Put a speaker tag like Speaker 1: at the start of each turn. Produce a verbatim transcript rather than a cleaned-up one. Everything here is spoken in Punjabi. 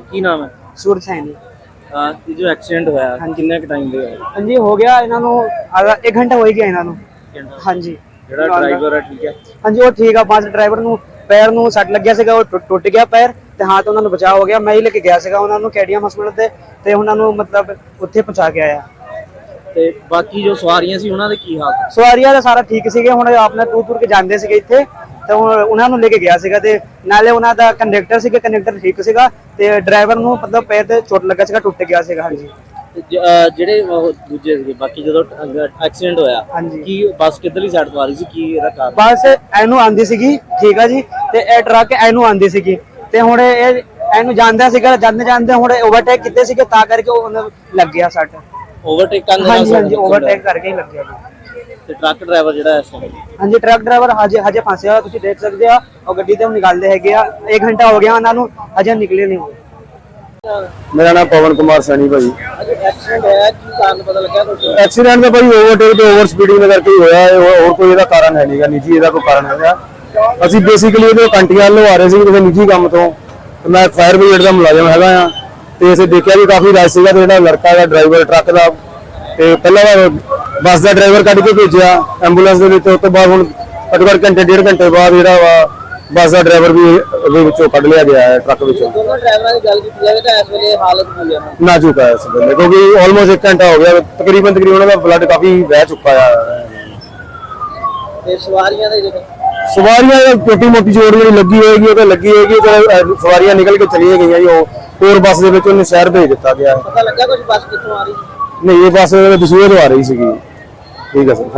Speaker 1: ਕੀ ਨਾਮ ਹੈ?
Speaker 2: सूरज सैनी।
Speaker 1: ਆ ਇਹ ਜੋ ਐਕਸੀਡੈਂਟ ਹੋਇਆ ਕਿੰਨੇ ਕ ਟਾਈਮ ਦੇ ਹੋਇਆ?
Speaker 2: हाँ जी हो गया इन्हों आधा एक घंटा हो ही गया इन्हों। हाँ जी
Speaker 1: ਜਿਹੜਾ ਡਰਾਈਵਰ ਹੈ ਠੀਕ ਹੈ?
Speaker 2: हाँ जी वो ठीक है। बस ड्राइवर ਨੂੰ ਪੈਰ ਨੂੰ ਸੱਟ ਲੱਗਿਆ ਸੀਗਾ, ਉਹ ਟੁੱਟ ਗਿਆ ਪੈਰ ਤੇ ਹਾਂ ਤੇ ਉਹਨਾਂ ਨੂੰ ਬਚਾਅ ਹੋ ਗਿਆ। ਮੈਂ ਹੀ ਲੈ ਕੇ ਗਿਆ ਸੀਗਾ ਉਹਨਾਂ ਨੂੰ ਕੈਡੀਅਮ ਹਸਪਤਾਲ ਤੇ ਤੇ ਉਹਨਾਂ ਨੂੰ ਮਤਲਬ ਉੱਥੇ ਪਹੁੰਚਾ ਕੇ ਆਇਆ।
Speaker 1: ਤੇ ਬਾਕੀ ਜੋ ਸਵਾਰੀਆਂ ਸੀ ਉਹਨਾਂ ਦੇ ਕੀ ਹਾਲ?
Speaker 2: ਸਵਾਰੀਆਂ ਦਾ ਸਾਰਾ ਠੀਕ ਸੀਗੇ। ਹੁਣ ਆਪਣੇ ਟੂਰ ਟੂਰ ਕੇ ਜਾਂਦੇ ਸੀਗੇ ਇੱਥੇ ਤੇ ਹੁਣ ਉਹਨਾਂ ਨੂੰ ਲੈ ਕੇ ਗਿਆ ਸੀਗਾ ਤੇ ਨਾਲੇ ਉਹਨਾਂ ਦਾ ਕੰਡਕਟਰ ਸੀਗਾ, ਕੰਡਕਟਰ ਠੀਕ ਸੀਗਾ ਤੇ ਡਰਾਈਵਰ ਨੂੰ ਮਤਲਬ ਪੈਰ ਤੇ ਚੋਟ ਲੱਗਾ ਸੀਗਾ, ਟੁੱਟ ਗਿਆ ਸੀਗਾ। ਹਾਂਜੀ
Speaker 1: ਜਿਹੜੇ ਉਹ ਦੂਜੇ ਸੀਗੇ ਬਾਕੀ ਜਦੋਂ ਐਕਸੀਡੈਂਟ ਹੋਇਆ ਕੀ ਬੱਸ ਕਿੱਧਰਲੀ ਸਾਈਡ ਤੋਂ ਆ ਰਹੀ ਸੀ, ਕੀ ਇਹਦਾ ਕਾਰਨ?
Speaker 2: ਬੱਸ ਇਹਨੂੰ ਆਂਦੀ ਸੀਗੀ ਠੀਕ ਆ ਜੀ ਤੇ ਇਹ ਟਰੱਕ ਇਹਨੂੰ ਆਂਦੀ ਸੀਗੀ ਤੇ ਹੁਣ ਇਹ ਇਹਨੂੰ ਜਾਂਦਾ ਸੀਗਾ, ਜਾਂਦੇ ਜਾਂਦੇ ਹੁਣ ਓਵਰਟੇਕ ਕੀਤੇ ਸੀਗੇ ਤਾਂ ਕਰਕੇ ਉਹਨੂੰ ਲੱਗ ਗਿਆ ਸੱਟ।
Speaker 1: ਓਵਰਟੇਕ ਕਰਨ
Speaker 2: ਹਾਂਜੀ ਹਾਂਜੀ ਓਵਰਟੇਕ ਕਰਕੇ ਹੀ ਲੱਗਿਆ ਜੀ।
Speaker 1: ਤੇ ਟਰੱਕ ਡਰਾਈਵਰ ਜਿਹੜਾ ਇਸ ਸਮੇਂ?
Speaker 2: ਹਾਂਜੀ ਟਰੱਕ ਡਰਾਈਵਰ ਹਜੇ ਹਜੇ ਫਸਿਆ ਹੋਇਆ, ਤੁਸੀਂ ਦੇਖ ਸਕਦੇ ਆ ਉਹ ਗੱਡੀ ਤੇ ਨਿਕਾਲਦੇ ਹੈਗੇ ਆ। ਇੱਕ ਘੰਟਾ ਹੋ ਗਿਆ ਉਹਨਾਂ ਨੂੰ, ਹਜੇ ਨਿਕਲੇ ਨਹੀਂ।
Speaker 3: मेरा नाम पवन कुमार सैनी भाई।
Speaker 1: एक्सीडेंट होया की कारण पता लगा कुछ?
Speaker 3: एक्सीडेंट तो भाई ओवरटेक ते ओवर स्पीडिंग में करके ही होया है, और कोई ਇਹਦਾ ਕਾਰਨ ਹੈ ਨਹੀਂਗਾ, ਨਿੱਜੀ ਇਹਦਾ ਕੋਈ ਕਾਰਨ ਹੈਗਾ। ਅਸੀਂ ਬੇਸਿਕਲੀ ਇਹਦੇ ਕੰਟੀਆਂ ਵੱਲੋਂ ਆ ਰਹੇ ਸੀ ਕਿਸੇ ਨਿੱਜੀ ਕੰਮ ਤੋਂ ਤੇ ਮੈਂ ਫਾਇਰ ਬ੍ਰਿਗੇਡ ਦਾ ਮੁਲਾਜ਼ਮ ਹੈਗਾ ਆ ਤੇ ਅਸੀਂ ਦੇਖਿਆ ਵੀ ਕਾਫੀ ਰਸ਼ ਸੀਗਾ ਤੇ ਜਿਹੜਾ ਲੜਕਾ ਦਾ ਡਰਾਈਵਰ ਟਰੱਕ ਦਾ ਤੇ ਪਹਿਲਾਂ ਬੱਸ ਦਾ ਡਰਾਈਵਰ ਕੱਢ ਕੇ ਭੇਜਿਆ ਐਂਬੂਲੈਂਸ ਦੇ ਵਿੱਚ। ਉਸ ਤੋਂ ਬਾਅਦ ਹੁਣ ਘੱਟੋ ਘੱਟ ਘੰਟੇ ਡੇਢ ਘੰਟੇ ਬਾਅਦ ਜਿਹੜਾ ਵਾ ਬੱਸ ਦਾ ਡਰਾਈਵਰ ਵੀ ਉਹਦੇ ਵਿੱਚੋਂ ਕੱਢ ਲਿਆ ਗਿਆ ਹੈ ਟਰੱਕ ਵਿੱਚੋਂ।
Speaker 1: ਦੋਨੋਂ ਡਰਾਈਵਰਾਂ ਦੀ ਗੱਲ ਕੀਤੀ ਜਾਵੇ ਤਾਂ ਇਸ ਵੇਲੇ ਹਾਲਤ ਕੀ ਹੈ?
Speaker 3: ਨਾਜ਼ੁਕ ਹੈ ਇਸ ਵੇਲੇ ਕਿਉਂਕਿ ਆਲਮੋਸਟ ਇੱਕ ਘੰਟਾ ਹੋ ਗਿਆ, ਤਕਰੀਬਨ ਤਕਰੀਬਨ ਉਹਨਾਂ ਦਾ ਬਲੱਡ ਕਾਫੀ ਵਹਿ ਚੁੱਕਾ ਹੈ।
Speaker 1: ਤੇ ਸਵਾਰੀਆਂ ਦੇ ਜਿਹੜੇ
Speaker 3: ਸਵਾਰੀਆਂ ਛੋਟੀ ਮੋਟੀ ਜੋੜ ਜਿਹੜੀ ਲੱਗੀ ਹੋਏਗੀ ਉਹ ਤਾਂ ਲੱਗੀ ਹੋਏਗੀ ਤੇ ਸਵਾਰੀਆਂ ਨਿਕਲ ਕੇ ਚਲੀਆਂ ਗਈਆਂ ਜੀ। ਉਹ ਹੋਰ ਬੱਸ ਦੇ ਵਿੱਚ ਉਹਨੂੰ ਸ਼ਹਿਰ ਭੇਜ ਦਿੱਤਾ ਗਿਆ।
Speaker 1: ਪਤਾ ਲੱਗਾ ਕੁਝ ਬੱਸ ਕਿੱਥੋਂ ਆ ਰਹੀ?
Speaker 3: ਨਹੀਂ ਇਹ ਬੱਸ ਦਸੂਹੇ ਤੋਂ ਆ ਰਹੀ ਸੀਗੀ। ਠੀਕ ਹੈ ਸਰ।